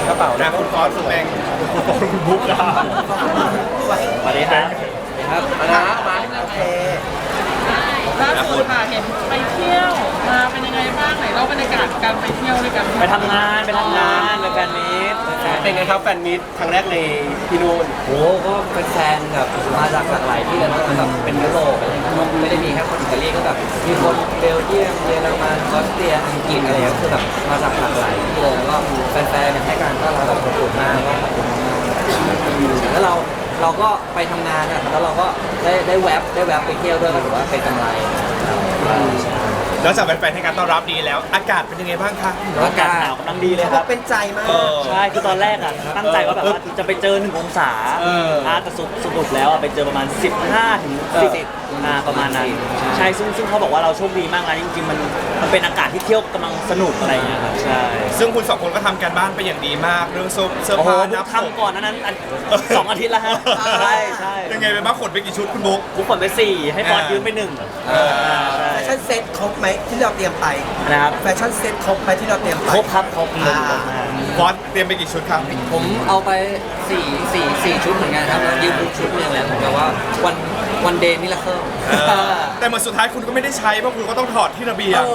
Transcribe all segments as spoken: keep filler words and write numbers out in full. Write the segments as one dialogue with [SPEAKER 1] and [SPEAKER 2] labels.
[SPEAKER 1] กระเป๋านะคุณฟอสคุณแบงค์คุณบุ๊กนะสวัสดีครับครับมานะมาโอเค
[SPEAKER 2] ล่าสุดค่ะเห็นไปเที่ยวมาเป็นยังไงบ้างไหนเล่าบรรยากาศการไปเที่ยวด้วยกัน
[SPEAKER 3] ไปทำงานไปทำงานไปแฟนมีต
[SPEAKER 1] เป็นไงครับแฟนมีตครั้งแรกในที่นู่น
[SPEAKER 3] โอ้ก็เป็นแฟนแบบมาจากหลากหลายที่เลยนะแบบเป็นยุโรปอะไรเงี้ยไม่ได้มีแค่คนอิตาลีก็แบบมีคนเบลเยียมเยอรมันออสเตรียอังกฤษอะไรเงี้ยคือแบบมาจากหลากหลายที่เลยแล้วก็แฟนๆเนี่ยให้การต้อนรับแบบอบอุ่นมากก็ขอบคุณมากแล้วเราเราก็ไปทำงานอ่ะแล้วเราก็ได้ได้แวบได้แวบไปเที่ยวด้วยก็ถือว่าเป็นกำไร
[SPEAKER 1] แล้วจากแฟนๆให้การต้อนรับดีแล้วอากาศเป็นยังไงบ้างคะ
[SPEAKER 3] อากาศหนาวกำลังดีเลยครับ
[SPEAKER 1] เป็นใจมาก
[SPEAKER 3] ใช่คือตอนแรกอ่ะตั้งใจว่าแบบว่าจะไปเจอหนึ่งองศาอ่าแต่สรุปแล้วอ่ะไปเจอประมาณสิบห้าถึงสิบอ่าประมาณนั้นใช่ซึ่งซึ่งเขาบอกว่าเราโชคดีมากนะจริงๆมันมันเป็นอากาศที่เที่ยวกำลังสนุกอะไรอย่างเงี้ยครับใช่
[SPEAKER 1] ซึ่งคุณสองคนก็ทำการบ้านไปอย่างดีมากเรื่องเสื้อผ้านะ
[SPEAKER 3] ทำก่อนนั้นสองอาทิตย์แล้วฮะใช่ใช่
[SPEAKER 1] ยังไงไปบ้างขนไปกี่ชุดคุณบุ๊ก
[SPEAKER 3] บุ๊กขนไปสี่ให้ฟอนยืมไปหนึ่ง
[SPEAKER 4] แฟชั่นเซ็ตครบไหมที่เราเตรียมไป
[SPEAKER 3] นะครับ
[SPEAKER 4] แฟชั่นเซ็ตครบไหมที่เราเตรียมไป
[SPEAKER 3] ครบครับครบ
[SPEAKER 1] ฟอนเตรียมไปกี่ชุดครับ
[SPEAKER 3] ผมเอาไปสี่สี่สี่ชุดเหมือนกันครับยืมบุ๊กชุดนึงแล้วผมแบบว่าวันวันเดย์มิราเคิล
[SPEAKER 1] แต่เหมือนสุดท้ายคุณก็ไม่ได้ใช้เพราะคุณก็ต้องถอดที่ระเบียง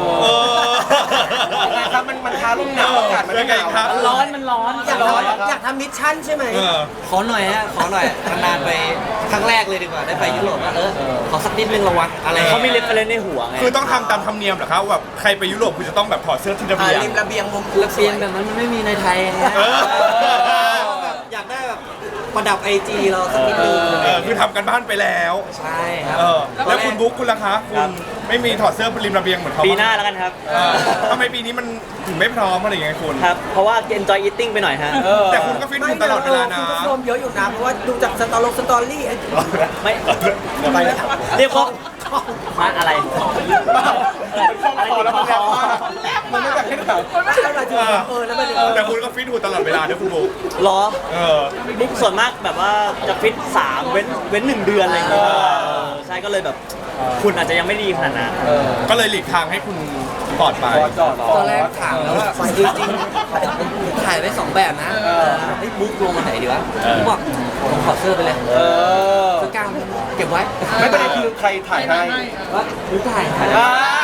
[SPEAKER 1] ยังไงครับมันมันท้าลมหนาวอากาศมันยังไงครับ
[SPEAKER 3] ร้อนมันร้อน
[SPEAKER 4] อยากอยากทำมิชชั่นใช่ไหม
[SPEAKER 3] ขอหน่อยฮะขอหน่อยนานๆไปครั้งแรกเลยดีกว่าได้ไปยุโรปเออขอสักนิดนึงละวะอะไรเขาไม่เล็บอะไรในหัวไง
[SPEAKER 1] คือต้องทำตามธรรมเนียมเหรอครับแบบใครไปยุโรปคุณจะต้องแบบถอดเสื้อที่ระเบียง
[SPEAKER 4] ริมระเบียงมุม
[SPEAKER 3] ระเบียงแบบนั้นมันไม่มีในไทยอยากได้แบบประดับไอจีเราสักนิดนึง
[SPEAKER 1] คือทำกันบ้านไปแล้ว
[SPEAKER 3] ใช่ครับ
[SPEAKER 1] แล้วคุณบุ๊กคุณล่ะคะคุณไม่มีถอดเสื้อบนริมระเบียงเหมือนเขา
[SPEAKER 3] ปีหน้าแล้วกันครับ
[SPEAKER 1] ทำไมปีนี้มันถึงไม่พร้อมอะไรอย่างเงี้ยคุณ
[SPEAKER 3] ครับเพราะว่า enjoy eating ไปหน่อยฮะ
[SPEAKER 1] แต่คุณก็ฟิตหุ่นตลอดเวลานะ
[SPEAKER 4] คุณก็โซมเยอะอยู่นะเพราะว่าดูจากสตอรี่สตอรี่
[SPEAKER 3] ไม่ไปเรียกว่ามาอะไร
[SPEAKER 1] อะไรแล้วมันแรงมากมันไม่แบบให้แบบ
[SPEAKER 4] ไม่ใช่อะไรจริงเออแล้วมัน
[SPEAKER 1] แต่คุณก็ฟิตหุ่นตลอดเวลานะคุณบุ๊ก
[SPEAKER 3] หรอบุ๊กส่วนมากแบบว่าจะฟิตสามเว้นเว้นหนึ่งเดือนอะไรอย่างเงี้ยใช่ก็เลยแบบคุณอาจจะยังไม่ดีขนาดนั้น
[SPEAKER 1] ก็เลยหลีกทางให้คุณปลอดไป
[SPEAKER 3] ตอนแรกถามแล้วว่าจริงๆถ่ายไว้สองแบบนะไอ้บุ๊กลงมาไหนดีวะบุ๊กบอกผมขอเสื้อไปเลยเสื้อกล้ามเก็บไว้
[SPEAKER 1] ไม่เป็นไรคือใครถ่ายให้
[SPEAKER 3] ว่าบุ๊กถ่ายถ่าย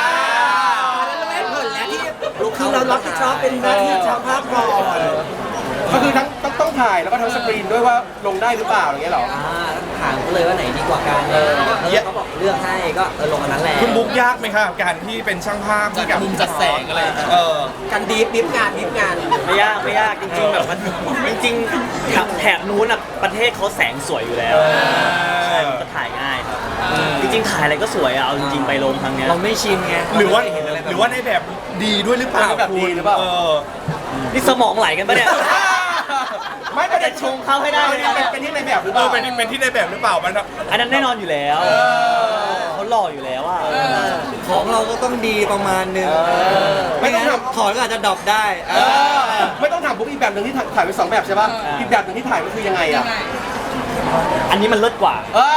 [SPEAKER 4] คือเรารับผิดชอบเป็นหน้าที่ช่างภาพก่อน
[SPEAKER 1] ก็คือทั้งต้องต้องถ่ายแล้วก็ทั้งสกรีนด้วยว่าลงได้หรือเปล่าอย่างเงี้ยหรอ
[SPEAKER 3] อ่าถามก็เลยว่าไหนดีกว่ากันเออเขาบอกเลือกให้ก็เออลงอันนั้นแหละ
[SPEAKER 1] คุณบุ๊กยากไหมครับการที่เป็นช่างภาพที่กับมุมจัดแสงอะไรเออ
[SPEAKER 4] การดีฟดิฟงานดิฟงาน
[SPEAKER 3] ไม่ยากไม่ยากจริงๆแบบมันจริงๆแถบนู้นอ่ะประเทศเขาแสงสวยอยู่แล้วใช่มันก็ถ่ายง่ายครับจริงๆถ่ายอะไรก็สวยอ่ะเอาจริงๆไปลงครั้งนี้เราไม่ชินไง
[SPEAKER 1] หรือว่าหรือว่าในแบบดีด้วยหรือเปล่า
[SPEAKER 3] แบบดีหรือเปล่านี่สมองไหลกันปะเนี่ย
[SPEAKER 1] ไม่
[SPEAKER 3] ประเด็นชงเข้าให้ได้เลย
[SPEAKER 1] เป็นที่ในแบบหรือเปล่าเป็นเป็นที่ในแบบหรือเปล่ามัน
[SPEAKER 3] อันนั้นแน่นอนอยู่แล้วเขาหล่ออยู่แล้วอ่ะของเราก็ต้องดีประมาณนึงไม่งั้นถอดก็อาจจะดรอปได้
[SPEAKER 1] ไม่ต้องถามบุ๊กอีกแบบหนึ่งที่ถ่ายไปสองแบบใช่ป่ะอีกแบบหนึ่งที่ถ่ายก็คือยังไงอ่ะ
[SPEAKER 3] อันนี้มันเลิศกว่า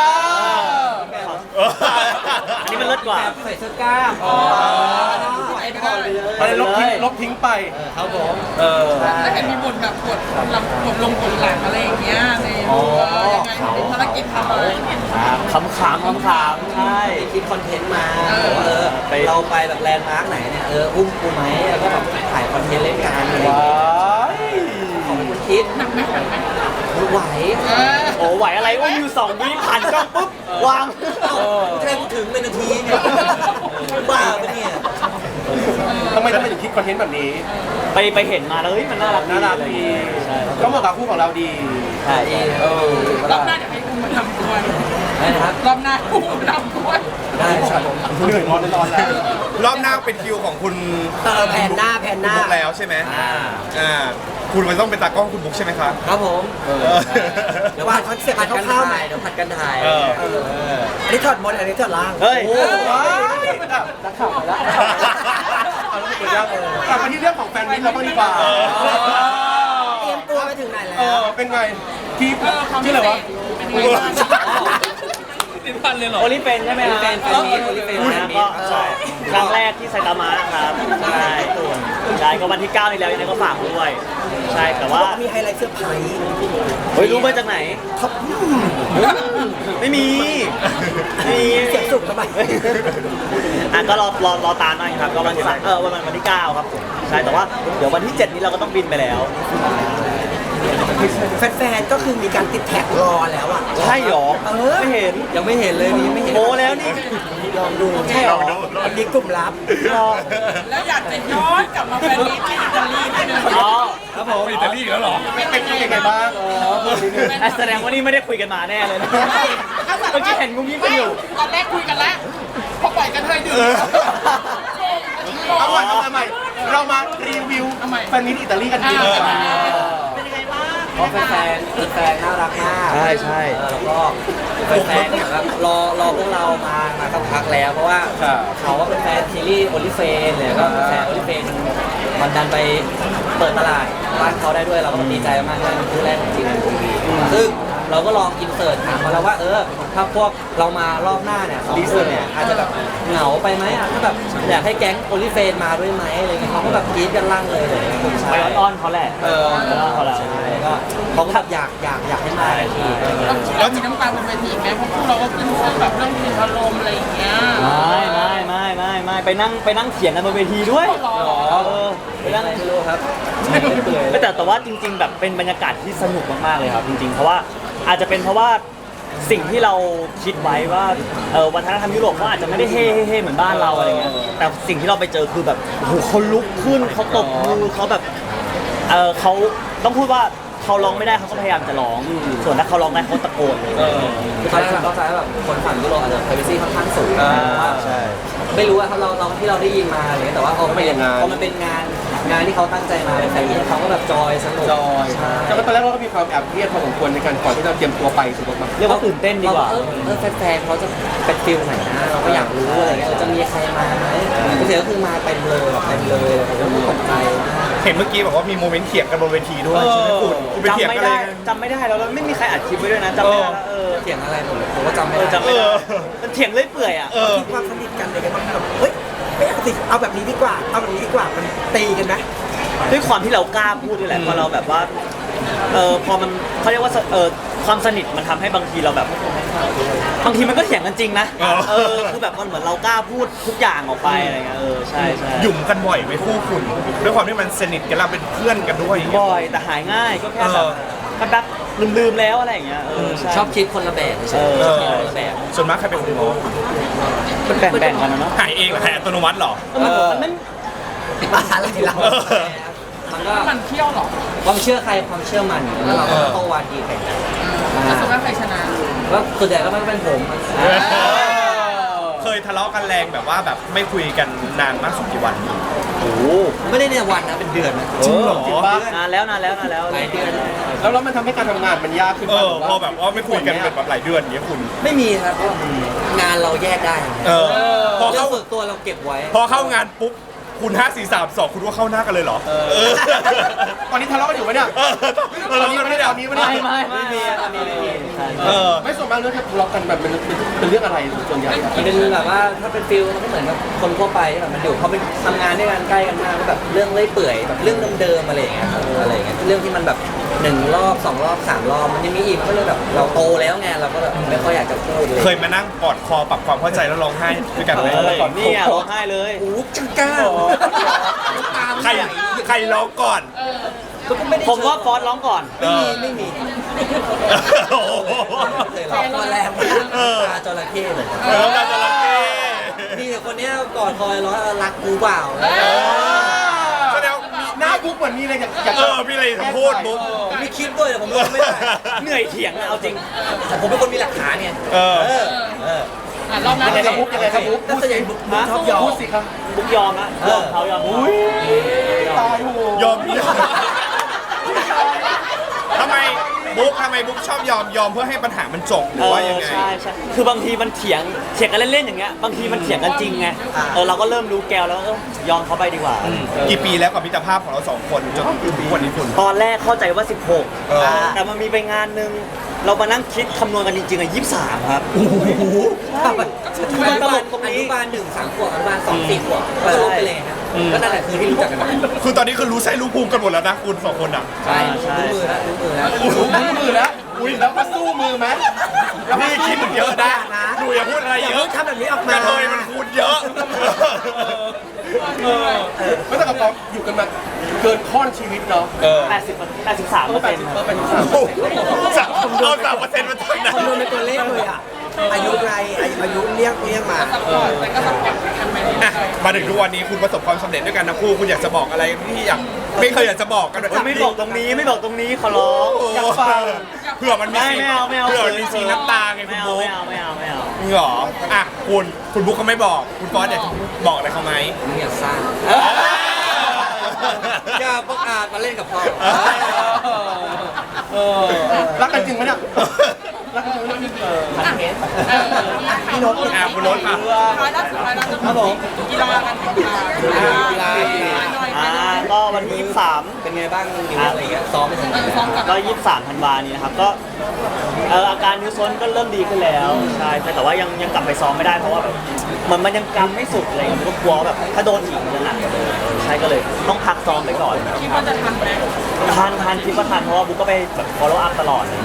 [SPEAKER 3] อันนี้มันเลิศกว่าใส่เสื้อกล้ามอ๋อไอ้ถอดไปเลย
[SPEAKER 1] อะไรลบทิ้งลบทิ้งไป
[SPEAKER 3] ครับผม
[SPEAKER 2] เออแล้วเห็นมีบทแบบกดลำกดลงกดหลังอะไรอย่างเงี้ยในยังไงเป็นภารกิจทำอะไร
[SPEAKER 3] ขำขำขำขำใช่คิดคอนเทนต์มาเออเราไปแบบแลนด์มาร์กไหนเนี่ยเอออุ้มกูไหมแล้วก็แบบถ่ายคอนเทนต์เล่นกันอะไรอย่างเงี้ยของคุณคิด
[SPEAKER 2] หนักไหมหนักไหม
[SPEAKER 3] ไหวโอ้ไหวอะไรอุ้มอยู่สองวิผ่านกล้องปุ๊บวางแค่ถึงเป็นนาทีเนี่ยบ้าปะเนี่ย
[SPEAKER 1] ทำไมต้องถึงคิดคอนเทนต์แบบนี้
[SPEAKER 3] ไปไปเห็นมาแล้วเฮ้ยมันน่ารัก
[SPEAKER 1] น่ารักดีก็เหมาะกับคู่ของเราดี
[SPEAKER 3] ใช่เออ
[SPEAKER 2] รอบหน้าเดี๋ยวให้อุ้มมาทำด้วย
[SPEAKER 3] นะครับ
[SPEAKER 2] รอบหน้าอุ้มมาทำด้วย
[SPEAKER 3] ได้ครับ
[SPEAKER 1] เหนื่อยนอนนอนแล้วรอบหน้าเป็นคิวของคุณ
[SPEAKER 4] เออแผ่นหน้าแผ่นหน้า
[SPEAKER 1] แล้วใช่ไหมอ่าอ่าคุณมันต้องเป็นตากล้องคุณบุ๊กใช่ไหมครับ
[SPEAKER 3] ครับผม
[SPEAKER 4] เดี๋ยววางคอนเซ็ปต์ผัดกันถ่าย
[SPEAKER 3] เดี๋ยวผัดกันถ่าย
[SPEAKER 4] อันนี้ถอดบนอันนี้ถอดล่าง
[SPEAKER 3] เฮ้ย
[SPEAKER 4] นักข่าวไปแล้ว
[SPEAKER 1] กลับมาที่เรื่องของแฟนมิตรเราบ้างดีกว่า
[SPEAKER 4] เตรียมตัวไปถึงไหนแล้ว
[SPEAKER 1] เป็นไงที่ที่อะไรวะ
[SPEAKER 2] ติดพันเลยเหรอ
[SPEAKER 3] โอลิเฟนใช่ไหมครับแฟนมิตรโอลิเฟนนะก็ใช่ครั้งแรกที่ไซตามะครับใช่ใช่
[SPEAKER 1] ช่ก็วันที่เก้านี้แล้วยังไงก็ฝากด้วยใช่แต่ว่า
[SPEAKER 4] มีไฮไลท์เซอร์ไพรส์
[SPEAKER 1] เฮ้ยรู้มาจากไหนไม่มีไม่มี
[SPEAKER 4] เสียงสุกทำไม
[SPEAKER 1] อ่ะก็รอรอรอตามหน่อยครับก็วันที่เออวันวันที่เก้าครับผมใช่แต่ว่าเดี๋ยววันที่เจ็ดนี้เราก็ต้องบินไปแล้ว
[SPEAKER 4] แฟนๆก็คือมีการติดแท็กรอแล้วอ่ะ
[SPEAKER 1] ใช่หรอ
[SPEAKER 4] เออ
[SPEAKER 1] ไม่เห็น
[SPEAKER 3] ยังไม่เห็นเลยนี่ไม่เห็น
[SPEAKER 1] โมแล้วนี่
[SPEAKER 4] ลองดูใช่หรออันนี้กลุ่มลับ
[SPEAKER 1] รอ
[SPEAKER 2] แล้วอยากจะย้อนกลับมาแฟนมีตที่อิตาลีนิดนึง
[SPEAKER 1] อ๋อ
[SPEAKER 3] ครับผม
[SPEAKER 5] อิตาลีอีกแล้วเหรอ
[SPEAKER 2] เป็นยังไงบ้าง
[SPEAKER 1] อ่ะแสดงว่านี่ไม่ได้คุยกันมาแน่เลยนะเมื่อกี้เห็นงุ้มยิ้มกันอยู่
[SPEAKER 2] ตอนแรกคุยกันแล้วพอปล่อยกันเทยดื่ม
[SPEAKER 5] เอาใหม่เอาใหม่เรามารีวิว
[SPEAKER 2] เอาใหม่
[SPEAKER 5] แฟนมิตรอิตาลีกันดีกว่า
[SPEAKER 2] เป็นยังไงบ้าง
[SPEAKER 3] เพราะแฟนๆแฟนๆน่ารักมาก
[SPEAKER 1] ใช่ใช่
[SPEAKER 3] เออแล้วก็แฟนๆเนี่ยแบบรอรอพวกเรามามาสักพักแล้ว เพราะว่าเขาว่าเป็นแฟนซีรีส์โอลิเฟนเลยก็เป็นแฟนโอลิเฟนมันดันไปเปิดตลาดบ้านเขาได้ด้วยเราก็ดีใจมากเลยเป็นคู่แรกของจีนทีวีซึ่งเราก็ลองอินเสิร์ตถามมาแล้วว่าเออถ้าพวกเรามารอบหน้าเนี่ยสองคนเนี่ยอาจจะแบบเหงาไปไหมอ่ะถ้าแบบอยากให้แก๊งโอลิเฟนมาด้วยไหมอะไรเงี้ยเขาก็แบบกรี๊ดกันลั่นเลยเลยใช่
[SPEAKER 1] ไปอ้อนๆเขาแหละ
[SPEAKER 3] เออ
[SPEAKER 1] ไปอ้อนเขาแหละ
[SPEAKER 3] ใช่ก็เขาก็แบบอยากอยากอยากให้มาอีกทีอะไรเงี้ย
[SPEAKER 2] เรามีน้ำตาบนเวทีไหมเพราะพวกเราก็ขึ้นเส้นแบบเรื่องมีอารมณ์อะไรอย่างเงี้ย
[SPEAKER 1] ไม่ไม่ไม่ไม่ไม่ไปนั่งไปนั่งเถียงกันบนเวทีด้วย
[SPEAKER 2] หรอ
[SPEAKER 1] เออไปนั่ง
[SPEAKER 3] ไม่รู้ครับ
[SPEAKER 1] แต่แต่แต่ว่าจริง ๆ แบบเป็นบรรยากาศที่สนุกมากๆเลยครับจริงๆ เพราะว่าอาจจะเป็นเพราะว่าสิ่งที่เราคิดไว้ว่าเออวัฒนธรรมยุโรปเขาอาจจะไม่ได้เฮ่เฮ่เฮ่เหมือนบ้านเราอะไรเงี้ยแต่สิ่งที่เราไปเจอคือแบบโอ้โหเขาลุกขึ้นเขาตบมือเขาแบบเออเขาต้องพูดว่าเขาร้องไม่ได้เขาก็พยายามจะร้อง ส่วนถ้าเขาร้องได้เขาตะโกนเลย
[SPEAKER 3] คือตอนแรกเราเข้าใจว่าแบบคนฝั่งยุโรปอาจจะ privacy ค่อนข้างสูง
[SPEAKER 1] อ่า
[SPEAKER 3] ว่า
[SPEAKER 1] ใช่
[SPEAKER 3] ไม่รู้ว่าเราเราที่เราได้ยินมาอะไรเลยแต่ว่าพอมันเป็นพอมันเป็นงานงานที่เขาตั้งใจมาเป็นแฟนมิตเขาก็แบบจอยสนุก
[SPEAKER 5] จอย
[SPEAKER 3] ใช่
[SPEAKER 5] แต่ว่าตอนแรกเราก็มีความแอบเครียดพอสมควรในการก่อนที่เราเตรียมตัวไปถูกไหม
[SPEAKER 1] เรียกว่าตื่นเต้นดีกว่า
[SPEAKER 3] เออเออแฟนๆเขาจะเป็นฟิลไหนนะเราก็อยากรู้อะไรเงี้ยเออจะมีใครมาไหมเสียก็คือมาเต็มเลยแบบเต็มเลยผมก็ตกใจมาก
[SPEAKER 5] เห็นเมื่อกี้บอกว่ามีโมเมนต์เถียงกันบนเวทีด้วยใช่ไหมคุณคุณไปเถียง
[SPEAKER 1] จำไม่
[SPEAKER 5] กันอะไร
[SPEAKER 1] ได้
[SPEAKER 5] กัน
[SPEAKER 1] จำไม่ได้แล้วแล้วไม่มีใครอัดคลิปไว้ด้วยนะจำไม่ได้แล้วเออ
[SPEAKER 3] เถียงอะไรผมผมก็จำไม่
[SPEAKER 1] เออ
[SPEAKER 3] ได้
[SPEAKER 1] จำไม่ได้
[SPEAKER 5] เออ
[SPEAKER 1] มันเถียงเรื่อยเปื่อยอ่ะ
[SPEAKER 5] เออ
[SPEAKER 4] มีความสนิทกันเลยกันบ้างแบบเฮ้ยไม่เอาสิเอาแบบนี้ดีกว่า เอาแบบนี้ดีกว่ามันตีกันไหม
[SPEAKER 1] ด้วยความที่เรากล้าพูดด้วยแหละพอเราแบบว่าเออพอมันเขาเรียกว่าเออความสนิทมันทำให้บางทีเราแบบ บางทีมันก็เถียงกันจริงนะ
[SPEAKER 5] อ๋อ
[SPEAKER 1] เออคือแบบมันเหมือนเรากล้าพูดทุกอย่างออกไปอะไรเงี้ยเออใช่ใช่
[SPEAKER 5] หยุ่มกันบ่อยไหมคู่คุณด้วยความที่มันสนิทกันเราเป็นเพื่อนกันด้วยอย่างเงี้ย
[SPEAKER 1] บ่อยแต่หายง่ายก็แค่แบบ
[SPEAKER 5] เออ
[SPEAKER 1] แป๊บๆลืมๆแล้วอะไรอย่างเงี้ยเออใช่
[SPEAKER 3] ชอบคิดคนละแบบใช่
[SPEAKER 1] เออ
[SPEAKER 3] ชอบคิดคนละแบบ
[SPEAKER 5] ส่วนมากใครเป็นคนง้อ
[SPEAKER 1] มันแบ่งๆกันนะเนาะ
[SPEAKER 5] หายเองเหรอหายอัตโนมัติเหรอ
[SPEAKER 1] ก็มันมันไม่
[SPEAKER 4] อะไรเรา
[SPEAKER 5] เออ
[SPEAKER 3] มันก็
[SPEAKER 2] มันเที่ยวเหรอ
[SPEAKER 3] ความเชื่อใครความเชื่อมันแล้วเราก็ต้องวาดีใครกัน
[SPEAKER 2] แล้วสุดท้ายใครชนะ
[SPEAKER 3] แล้วส่วนใหญ่ก็ไม่เป็นผม
[SPEAKER 5] เคยทะเลาะกันแรงแบบว่าแบบไม่คุยกันนานมากสุดกี่วัน
[SPEAKER 1] โอ้โห
[SPEAKER 3] ไม่ได้ในวันนะเป็นเดือนนะ
[SPEAKER 5] จริงเหรอ
[SPEAKER 3] จริงปะ
[SPEAKER 1] นานแล้วนานแล้วนานแล้ว
[SPEAKER 3] หลายเดือน
[SPEAKER 5] แล้วแล้วมันทำให้การทำงานมันยากขึ้น เออพอแบบว่าไม่คุยกันเป็นแบบหลายเดือนอย่างเงี้ยคุณ
[SPEAKER 3] ไม่มีครับเพราะงานเราแยกได้
[SPEAKER 5] เออพอ
[SPEAKER 3] เรื่อ
[SPEAKER 5] เข้าง
[SPEAKER 3] ส่วนตัวเราเก็บไว้
[SPEAKER 5] พอเข้างานปุ๊บคุณห้าสี่สามสองคุณว่าเข้าหน้ากันเลยเหรอ เออ ตอนนี้ทะเลาะกันอยู่ไหมเนี่ยตอนนี้ไม่ได้ตอนนี้ไม่ได้
[SPEAKER 1] ไม่ไม่ไม่มีตอนนี้ไม่มีใช่
[SPEAKER 5] เออไม่ส่วนมากเรื่องที่ทะเลาะกันแบบเป็นเป็นเรื่องอะไรส่วนใหญ่อะ
[SPEAKER 3] มันเป็นแบบว่าถ้าเป็นฟิลมันก็เหมือนกับคนทั่วไปที่แบบมันอยู่เขาไปทำงานด้วยกันใกล้กันมากก็แบบเรื่องเลื่อยเปื่อยแบบเรื่องเดิมๆอะไรอย่างเงี้ยเอออะไรอย่างเงี้ยเรื่องที่มันแบบหนึ่งรอบสองรอบสามรอบมันยังมีอีกมันก็เลยแบบเราโตแล้วไงเราก็แบบไม่ค่อยอยากจะพูดเลย
[SPEAKER 5] เคยมานั่งกอดคอปรับความเข้าใจแล้วร้องไห้ด้วยกันไหม
[SPEAKER 1] เออนี่อ่ะร้องไห้เลย
[SPEAKER 3] โอ้จังก้า
[SPEAKER 5] ใครใครร้องก่อน
[SPEAKER 3] ก็ไม่ได้
[SPEAKER 1] ผมว่าฟอสร้องก่อน
[SPEAKER 3] ไม่มีไม่มี
[SPEAKER 5] โอ้โห
[SPEAKER 3] เคยร้องตัวแรงมาก
[SPEAKER 5] เออ
[SPEAKER 3] ตาจระเข้เลย
[SPEAKER 5] เออการจระเข้
[SPEAKER 3] มีแต่คนเนี้ยกอดคอยร้อยรักกูเปล่า
[SPEAKER 5] แสดงว่ามีหน้าบุ๊กเหมือนมีอะไรอยากอยากเออมีอะไรจะพูดบุ๊ก
[SPEAKER 3] ผมมีคลิปด้วยแต่ผมร้องไม่ได้
[SPEAKER 1] เหนื่อยเถียงอะเอาจริง
[SPEAKER 3] แต่ผมเป็นคนมีหลักฐานไง
[SPEAKER 5] เออ
[SPEAKER 3] เออเออ
[SPEAKER 2] อ่ะรอบนั้น
[SPEAKER 5] ยังไงครับบุ๊กยังไงครับบุ๊ก
[SPEAKER 3] น่าจะยังบุ๊กชอบยอม
[SPEAKER 5] พูดสิครับ
[SPEAKER 1] บุ๊กยอมนะยอมเขายอมเขา
[SPEAKER 5] ตายโหยอมทำไมบุ๊กทำไมบุ๊กชอบยอมยอมเพื่อให้ปัญหามันจบหรือว่ายังไง
[SPEAKER 1] ใช่ใช่คือบางทีมันเถียงเถียงกันเล่นๆอย่างเงี้ยบางทีมันเถียงกันจริงไงเออเราก็เริ่มรู้แกวแล้วเออยอมเขาไปดีกว่า
[SPEAKER 5] กี่ปีแล้วกับมิตรภาพของเราสองคนจนถึงทุกวันนี้คุณ
[SPEAKER 1] ตอนแรกเข้าใจว่าสิบหก
[SPEAKER 5] เออ
[SPEAKER 1] แต่มันมีไปงานหนึ่งเรามานั่งคิดคำนวณกันจริงๆอ่ะยี่สิบสามครับ
[SPEAKER 3] คือมันตลกตรงนี้อนุบาลหนึ่งสามขวบอนุบาลสองสี่ขวบก็ลบไปเลยครับก็นั่นแหละคือที่รู้จักกันมา
[SPEAKER 5] คือตอนนี้คือรู้ใช่รู้ภูมิกันหมดแล้วนะคุณสองคนอ่ะ
[SPEAKER 3] ใช่
[SPEAKER 1] ใช่
[SPEAKER 3] รู้มือแล้วรู้มือแล้ว
[SPEAKER 5] รู้มือแล้วอุ้ยแล้วมาสู้มือไหมแล้วพี่คิดเยอะนะหนูอย่าพูดอะไร
[SPEAKER 4] อย่า
[SPEAKER 5] เย
[SPEAKER 4] เพิ่
[SPEAKER 5] อะ
[SPEAKER 4] งทำแบบนี้ออก
[SPEAKER 5] ก
[SPEAKER 4] มา
[SPEAKER 5] ระเทยมันคูณเยอะ
[SPEAKER 6] ไม่แต่กับเราอยู่กันมาเกินข้อนชีวิตเนาะ
[SPEAKER 5] เออ
[SPEAKER 1] แปดสิบแปดสิบสามเปอร์เซ็นต์ครับ
[SPEAKER 6] เป็นสาม
[SPEAKER 5] โอ้โหสามเอาสามเปอร์เซ็นต์มาจากไหน
[SPEAKER 4] คำนวณเป็นตัวเลขเลยอ่ะ อายุไรอายุอายุเรียกเรียกมา
[SPEAKER 2] ซัพพอร์ตแต่ก็ซัพพอร์ตกันไปเรื่อย
[SPEAKER 5] อ่ะมาถึงทุกวันนี้คุณประสบความสำเร็จด้วยกันทั้งคู่คุณอยากจะบอกอะไรที่อยากไม่เคยอยากจะบอกกัน
[SPEAKER 1] ไม่บอกตรงนี้ไม่บอกตรงนี้ขอร้อง
[SPEAKER 5] อยากฟังเผื่อมันมี
[SPEAKER 1] ไม่
[SPEAKER 5] ซีน
[SPEAKER 1] ไม่เอาไม่เอา
[SPEAKER 5] เผื่อมันมีซีนน้ำตาไง
[SPEAKER 1] ไม่
[SPEAKER 5] คุณ
[SPEAKER 1] เอา
[SPEAKER 5] บุ๊ก
[SPEAKER 1] ไม่เอาไม่เอาไม่เอา
[SPEAKER 5] จริงเหรออ่ะคุณคุณบุ๊กเขาไม่บอกคุณฟอสเนี่ยบอกอะไรเขาไหม
[SPEAKER 3] มึงอยากสร้างอย่าประกาศมาเล่นกับพ่อ
[SPEAKER 6] เออรักกันจริงไหมเนี่ยรักกันจริงไหมเนี่ย
[SPEAKER 4] พี่นก
[SPEAKER 5] อ่ะคุณรถค่ะ
[SPEAKER 2] ๆท้ายล่าสุดท้ายล่าสุดครับผมกีฬากันค่ะกีฬากีฬาหน่อย
[SPEAKER 1] อ่าก็วันที่ยี่สิบสาม
[SPEAKER 3] เป็นไงบ้างนิ้วอะไรเงี้ยซ้อมไปถึงไหน
[SPEAKER 2] ซ้อมกับ
[SPEAKER 1] ก็ยี่สิบสามธันวานี้นะครับก็เอออาการนิ้วซ้นก็เริ่มดีขึ้นแล้วใช่แต่ว่ายังยังกลับไปซ้อมไม่ได้เพราะว่าแบบเหมือนมันยังกำไม่สุดอะไรเลยก็กลัวว่าแบบถ้าโดนอีกมันจะหนักกว่าเดิมใช่ก็เลยต้องพักซ้อมไปก่อน
[SPEAKER 2] คิดว่าจะทันไหม
[SPEAKER 1] ทันทันคิดว่าทันเพราะว่าบุ๊กก็ไปแบบ follow up ตลอดเลย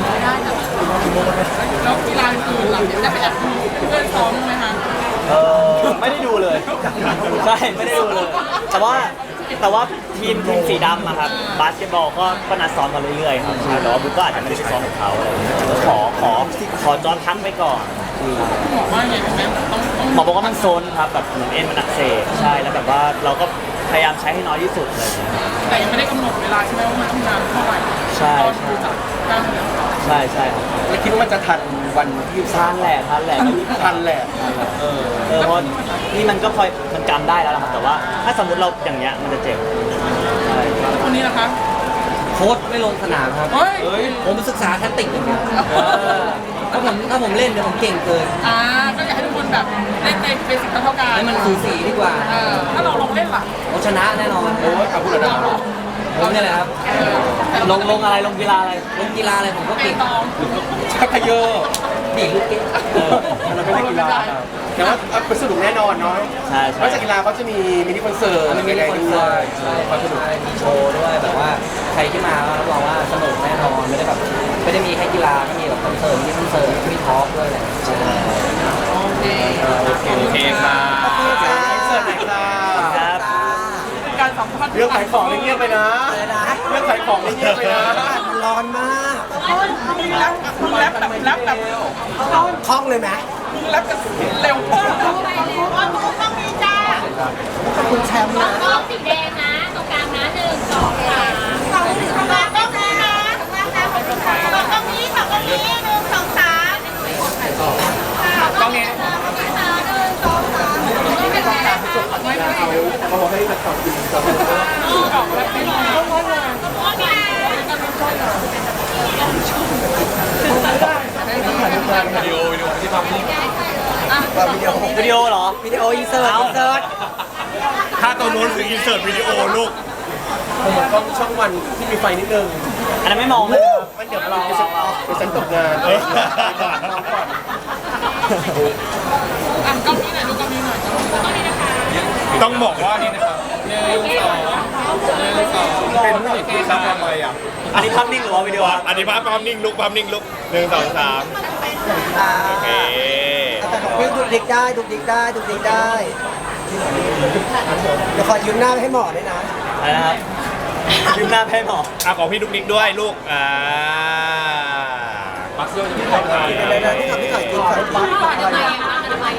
[SPEAKER 2] แล้วกีฬาอื่นๆล่ะได้ไปแอบดูเพื่อนซ้อมไหมคะ
[SPEAKER 1] เออไม่ได้ดูเลยใช่ไม่ได้ดูเลย แต่ว่าแต่ว่าทีมทีมสีดำอะครับบาสเกตบอลก็ก็นัดซ้อมกันเรื่อยๆครับใช่แต่ว่าบุ๊กก็อาจจะไม่ได้ไปซ้อมกับเขาอะไรอย่างเงี้ยก็ขอขอขอจอนพักไปก่อน
[SPEAKER 2] บอกว่าไงเป็นไหมต้องต้อง
[SPEAKER 1] หมอบอกว่ามันโซนครับแบบเหมือนเอ็นมันอักเสบใช่แล้วแบบว่าเราก็พยายามใช้ให้น้อยที่สุดอะไรอย่างเงี้ย
[SPEAKER 2] แต่ยังไม่ได้กำหนดเวลาใช่ไหมว่ามันต้องนานเท่าไหร่
[SPEAKER 1] ใช่
[SPEAKER 2] ตอนดูจากกล้ามเนื้อ
[SPEAKER 1] ใช่ใช่ครับ
[SPEAKER 6] แล้วคิดว่ามันจะทันวันที่
[SPEAKER 1] ทันแหละทันแหละ
[SPEAKER 6] ทันแหละเออ
[SPEAKER 1] เออเพราะนี่มันก็พอมันจำได้แล้วล่ะครับแต่ว่าถ้าสมมติเราอย่างเงี้ยมันจะเจ็บใช่
[SPEAKER 2] คนนี้นะคะ
[SPEAKER 3] โค้ชไม่ลงสนามครับ
[SPEAKER 2] เฮ้ย
[SPEAKER 3] ผมศึกษาแทคติกอย่างเดียวถ้าผมถ้าผมเล่นเดี๋ยวผมเก่งเกิน
[SPEAKER 2] อ่าก็อยากให้ทุกคนแบบเล่นในเบสิกเท่ากัน
[SPEAKER 3] ให้มันสูสีดีกว่า
[SPEAKER 2] เออถ้าเราลองเล่นล่ะ
[SPEAKER 3] ผมชนะแน่นอน
[SPEAKER 6] โอ้ยเอาพูดเลยนะ
[SPEAKER 3] ผมเนี่ยแหละครับ
[SPEAKER 1] ลงลงอะไรลงกีฬาอะไร
[SPEAKER 3] ลงกีฬาอะไรผมก็
[SPEAKER 2] เป
[SPEAKER 3] เก่ง
[SPEAKER 2] ตอง
[SPEAKER 6] ชักกระเยอะ
[SPEAKER 3] ดีดลูกเก่ง
[SPEAKER 6] เราไม่ได้กีฬาแต่ว่าเป็นสนุกแน่นอนเนาะ
[SPEAKER 1] ใช่
[SPEAKER 6] น
[SPEAKER 1] ใช่
[SPEAKER 6] อกจากกีฬาเขาจะมีมินิคอนเสิร์ต
[SPEAKER 3] มันมี
[SPEAKER 6] อะไร
[SPEAKER 3] คอน
[SPEAKER 6] ด้
[SPEAKER 3] เสิ
[SPEAKER 6] ว
[SPEAKER 3] ร์
[SPEAKER 6] ย
[SPEAKER 3] ตใช่ความสนุกมีโชว์ด้วยแบบว่าใครที่มาก็รับรองว่าสนุกแน่นอนไม่ได้แบบไม่ได้มีแค่กีฬาก็มีแบบคอนเสิร์ตมีคอนเสิร์ตมีทอล์กด้วยแหละใช่
[SPEAKER 2] โอเค
[SPEAKER 5] โอเคค่ะ
[SPEAKER 6] เสิร์ตไหนค่ะ
[SPEAKER 1] ครับ
[SPEAKER 2] การสัมภาษณ์
[SPEAKER 6] เรื่องขายของนี่เงียบไปนะ
[SPEAKER 4] อะไรนะ
[SPEAKER 6] เรื่องขายของนี่เงียบไปนะ
[SPEAKER 4] มันร้อนมาก
[SPEAKER 2] มึงแรปมึงแรปแบบแรปแบบ
[SPEAKER 4] คล่องเลยไหม
[SPEAKER 2] มึงแรปกันเร็วมาก
[SPEAKER 4] คุณแชมป์นะ
[SPEAKER 7] กล้องสีแดงนะตรงกลางนะหนึ่งสองสามสองถึงข้างล่างกล้องนี้นะข้างล่างนะกล้องนี้สองกล้องนี้หนึ่งสองสามกล้องนี้หนึ่งสองสามไม่เป็นไรไม่เป็นไร
[SPEAKER 6] เขาบอกให้นักข่าวกินกับ
[SPEAKER 2] กล่องแรปไม่ได้
[SPEAKER 7] กล้องนี้
[SPEAKER 5] วิดีโอวิดีโอที่ทำนี่
[SPEAKER 4] วิดีโอ
[SPEAKER 1] วิดีโอเหรอ
[SPEAKER 4] วิดีโออินเสิร์ตอินเสิร์ต
[SPEAKER 5] ถ้าตัวนู้นคืออินเสิร์ตวิดีโอลูก
[SPEAKER 6] เหมือนกล้องช่องวันที่มีไฟนิดนึง
[SPEAKER 1] อันนั้นไม่มองเลย
[SPEAKER 6] มันเดี๋ยวเราเดี๋ยวฉันตกงาน
[SPEAKER 5] เออ
[SPEAKER 2] อ่ะกล้องนี้หน่อยดูกล้องนี้หน่อยกล้องนี้นะคะ
[SPEAKER 5] ต้องบอกว่านี่นะครับหนึ่งสองหนึ่งสองเป็นผู้หญิงที่ทำอะไรอ่ะ
[SPEAKER 1] อันนี้ภาพนิ่งหรือว่าวิดีโอ
[SPEAKER 5] อันนี้ภาพภาพนิ่งลุกภาพนิ่งลุกหนึ่งสองสาม
[SPEAKER 4] อ่า
[SPEAKER 5] โอเค
[SPEAKER 4] แต่ของพี่ดุกดิกได้ดุกดิกได้ดุกดิกได้เดี๋ยวขอยืมหน้าให้หมอด้วยนะ
[SPEAKER 1] อะไรนะครับยืมหน้าแพ้หมอ
[SPEAKER 5] อ่ะของพี่ดุกดิกด้วยลูกอ่าปักเสื้อที่ทำงาน
[SPEAKER 4] เดี๋ยวเดี๋ยวพี่ขอพี่ขอกินขอกิน
[SPEAKER 7] ทำไมอ่ะทำไมทำไม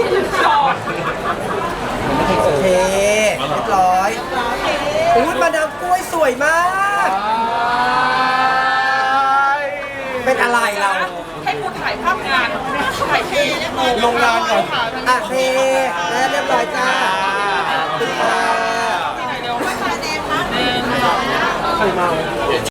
[SPEAKER 4] โอเคเรียบร้อยอุ้ยมาดามกล้วยสวยมาก เป็นอะไรเรา
[SPEAKER 2] ให้กูถ่ายภาพงานถ่ายที่
[SPEAKER 6] ลงงานก่อน
[SPEAKER 4] อ่ะเทแล้วเรียบร้อยจ้าขอบคุณค่ะ
[SPEAKER 2] ที่ไหนเร็ว
[SPEAKER 6] ใครเมา